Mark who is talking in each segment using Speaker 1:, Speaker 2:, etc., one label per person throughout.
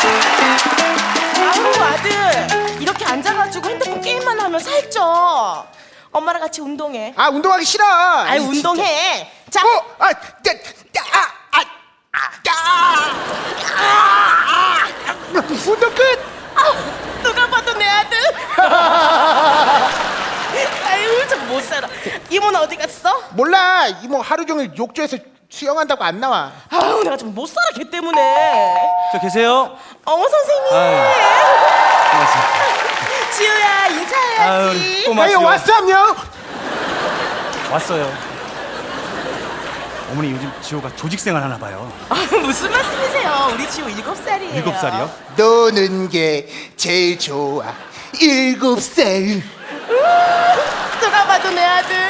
Speaker 1: 아유 아들, 이렇게 앉아가지고 핸드폰 게임만 하면 살쪄. 엄마랑 같이 운동해.
Speaker 2: 아, 운동하기 싫어.
Speaker 1: 아이 운동해. 자.
Speaker 2: 운동 끝.
Speaker 1: 누가 봐도 내 아들. 아유 참 못 살아. 이모는 어디 갔어?
Speaker 2: 몰라. 이모 하루 종일 욕조에서 수영한다고 안 나와.
Speaker 1: 아유 내가 좀 못 살아 걔 때문에.
Speaker 3: 저 계세요?
Speaker 1: 어머 선생님.
Speaker 3: 고맙습니다.
Speaker 1: 지우야 인사해야지.
Speaker 3: 꼬마
Speaker 2: 에이,
Speaker 3: 지우.
Speaker 2: 왔어, 안녕.
Speaker 3: 왔어요. 어머니 요즘 지호가 조직생활 하나 봐요.
Speaker 1: 아, 무슨 말씀이세요? 우리 지우 7살이에요.
Speaker 3: 7살이요?
Speaker 2: 노는 게 제일 좋아. 7살.
Speaker 1: 누가 봐도 내 아들.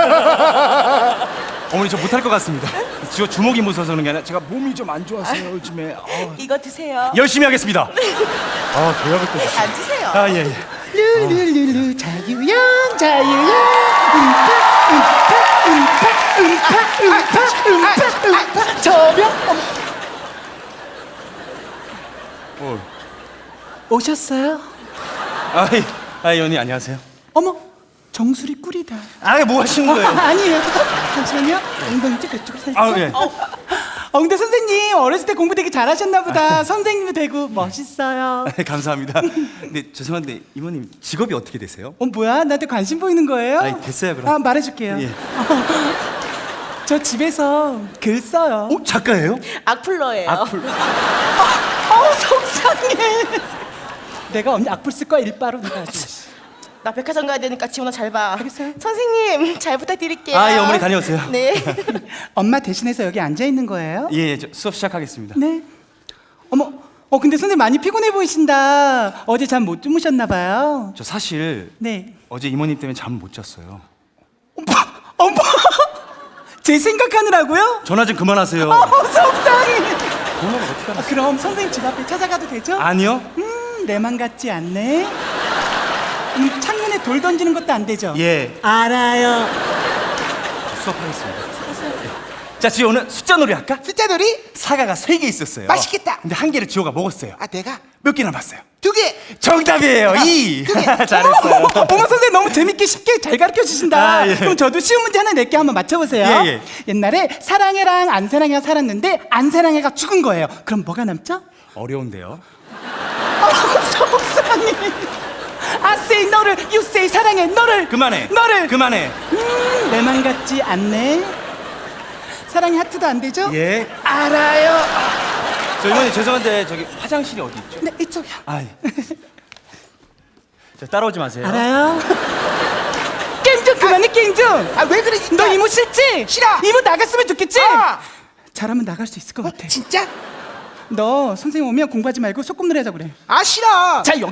Speaker 3: 어머니 저 못할 것 같습니다. 지호 주먹이 무서워서 그런 게 아니라 제가 몸이 좀 안 좋아서요 요즘에.
Speaker 1: 이거 드세요.
Speaker 3: 열심히 하겠습니다. 조약을 또.
Speaker 1: 앉으세요.
Speaker 3: 예.
Speaker 2: 룰루룰루 자유형 자유형 음파 저병.
Speaker 4: 오셨어요?
Speaker 3: 아이 언니 안녕하세요.
Speaker 4: 어머, 정수리 꿀이다.
Speaker 3: 뭐 하시는 거예요?
Speaker 4: 아니에요. 잠시만요. 엉덩이 쪽 이쪽으로 살짝.
Speaker 3: 예.
Speaker 4: 근데 선생님 어렸을 때 공부 되게 잘하셨나 보다. 선생님이 되고 멋있어요.
Speaker 3: 감사합니다. 근데 죄송한데 이모님 직업이 어떻게 되세요?
Speaker 4: 뭐야? 나한테 관심 보이는 거예요?
Speaker 3: 아니, 됐어요, 그럼.
Speaker 4: 말해줄게요.
Speaker 3: 예.
Speaker 4: 저 집에서 글 써요.
Speaker 3: 작가예요?
Speaker 1: 악플러예요.
Speaker 3: 악플.
Speaker 4: 속상해. 내가 언니 악플 쓸 거야 일바로 내가 아주.
Speaker 1: 나 백화점 가야 되니까 지훈아 잘 봐.
Speaker 4: 알겠어요.
Speaker 1: 선생님 잘 부탁드릴게요.
Speaker 3: 예, 어머니 다녀오세요.
Speaker 1: 네.
Speaker 4: 엄마 대신해서 여기 앉아 있는 거예요?
Speaker 3: 예, 저 수업 시작하겠습니다.
Speaker 4: 네. 어머, 근데 선생님 많이 피곤해 보이신다. 어제 잠 못 주무셨나 봐요.
Speaker 3: 저 사실
Speaker 4: 네.
Speaker 3: 어제 이모님 때문에 잠 못 잤어요.
Speaker 4: 어머, 제 생각하느라고요?
Speaker 3: 전화 좀 그만하세요.
Speaker 4: 속상해.
Speaker 3: 번호를 어떻게 알았어요?
Speaker 4: 그럼 선생님 집 앞에 찾아가도 되죠?
Speaker 3: 아니요.
Speaker 4: 내 맘 같지 않네. 창문에 돌 던지는 것도 안 되죠?
Speaker 3: 예.
Speaker 4: 알아요.
Speaker 3: 수업하겠습니다. 자, 지호 오늘 숫자 놀이 할까?
Speaker 2: 숫자 놀이?
Speaker 3: 사과가 3개 있었어요.
Speaker 2: 맛있겠다.
Speaker 3: 근데 한 개를 지호가 먹었어요.
Speaker 2: 아, 내가
Speaker 3: 몇 개 남았어요?
Speaker 2: 2개.
Speaker 3: 정답이에요. 2. 잘했어요.
Speaker 4: 어머 선생님 너무 재밌게 쉽게 잘 가르쳐 주신다.
Speaker 3: 예.
Speaker 4: 그럼 저도 쉬운 문제 하나 낼게 한번 맞춰보세요.
Speaker 3: 예.
Speaker 4: 옛날에 사랑해랑 안사랑해가 살았는데 안사랑해가 죽은 거예요. 그럼 뭐가 남죠?
Speaker 3: 어려운데요.
Speaker 4: 속상해. I say 너를, you say 사랑해 너를.
Speaker 3: 그만해.
Speaker 4: 너를.
Speaker 3: 그만해.
Speaker 4: 내 맘 같지 않네. 사랑이 하트도 안 되죠?
Speaker 3: 예.
Speaker 4: 알아요.
Speaker 3: 저 이모님 죄송한데 저기 화장실이 어디 있죠?
Speaker 4: 네 이쪽이요.
Speaker 3: 예. 저 따라오지 마세요.
Speaker 4: 알아요. 게임 좀 그만해 게임 좀.
Speaker 2: 아, 왜 그래, 진짜?
Speaker 4: 너 이모 싫지?
Speaker 2: 싫어.
Speaker 4: 이모 나갔으면 좋겠지?
Speaker 2: 아.
Speaker 4: 잘하면 나갈 수 있을 것 같아.
Speaker 2: 진짜?
Speaker 4: 너 선생님 오면 공부하지 말고 소꿉놀이 하자 그래.
Speaker 2: 아, 싫어.
Speaker 4: 자유형.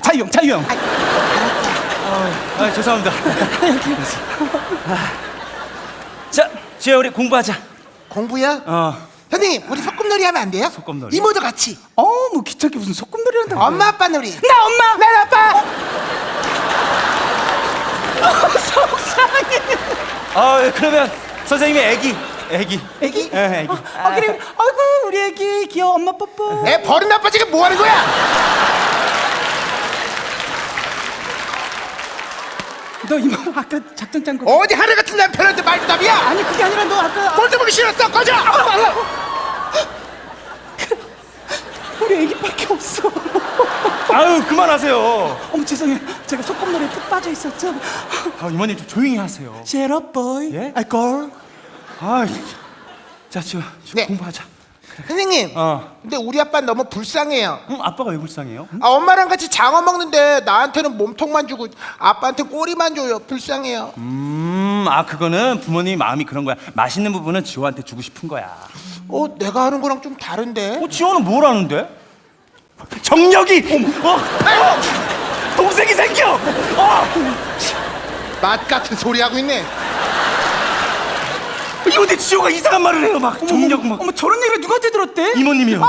Speaker 3: 죄송합니다. 자, 지호 우리 공부하자.
Speaker 2: 공부야? 선생님, 우리 소꿉놀이 하면 안 돼요?
Speaker 3: 소꿉놀이?
Speaker 2: 이모도 같이.
Speaker 4: 뭐 귀찮게 무슨 소꿉놀이 한다고.
Speaker 2: 엄마 아빠 놀이.
Speaker 4: 나 엄마.
Speaker 2: 난 아빠.
Speaker 4: 속상해.
Speaker 3: 그러면 선생님이 애기.
Speaker 4: 애기?
Speaker 3: 예, 애기.
Speaker 4: 그래. 아이고 우리 애기 귀여워. 엄마 뽀뽀.
Speaker 2: 애 버릇 아빠 지금 뭐 하는 거야?
Speaker 4: 너 이모 아까 작전 짠 거.
Speaker 2: 어디 하늘 같은 남편한테 말부담이야?
Speaker 4: 아니 그게 아니라 너 아까
Speaker 2: 꼴도 보기 싫었어. 꺼져.
Speaker 4: 우리 애기밖에 없어.
Speaker 3: 그만하세요.
Speaker 4: 어머 죄송해요. 제가 소꿉놀이에 푹 빠져 있었죠.
Speaker 3: 이모님 좀 조용히 하세요.
Speaker 4: Shut up, boy.
Speaker 3: 예?
Speaker 4: 아, girl.
Speaker 3: 자, 지호
Speaker 2: 네.
Speaker 3: 공부하자.
Speaker 2: 선생님. 근데 우리 아빠는 너무 불쌍해요.
Speaker 3: 아빠가 왜 불쌍해요?
Speaker 2: 엄마랑 같이 장어 먹는데 나한테는 몸통만 주고 아빠한테는 꼬리만 줘요. 불쌍해요.
Speaker 3: 그거는 부모님 마음이 그런 거야. 맛있는 부분은 지호한테 주고 싶은 거야.
Speaker 2: 내가 하는 거랑 좀 다른데?
Speaker 3: 지호는 뭘 하는데? 정력이! 동생이 생겨!
Speaker 2: 맛 같은 소리 하고 있네.
Speaker 3: 이거 근데 지호가 이상한 말을 해요. 막 정력 막.
Speaker 4: 어머 저런 얘기를 누구한테 들었대?
Speaker 3: 이모님이요.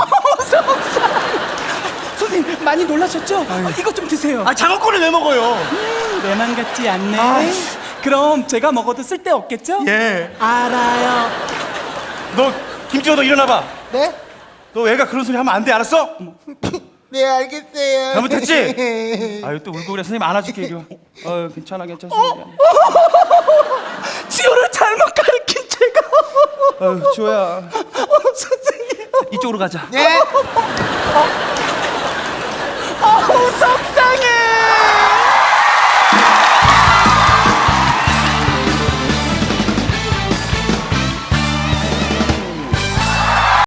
Speaker 4: 선생님 많이 놀라셨죠? 이것 좀 드세요.
Speaker 3: 장어권을 왜 먹어요?
Speaker 4: 내 맘 같지 않네. 그럼 제가 먹어도 쓸데 없겠죠?
Speaker 3: 예.
Speaker 4: 알아요.
Speaker 3: 너 김지호 너 일어나봐.
Speaker 2: 네?
Speaker 3: 너 애가 그런 소리 하면 안 돼, 알았어?
Speaker 2: 네, 알겠어요.
Speaker 3: 잘못했지? 아유 또 울고 그래. 선생님 안아줄게 이거. 괜찮아 괜찮아.
Speaker 4: 지호를 잘못 가르친 제가.
Speaker 3: 아유 지호야.
Speaker 4: 선생님.
Speaker 3: 이쪽으로 가자.
Speaker 2: 네.
Speaker 4: 속상해.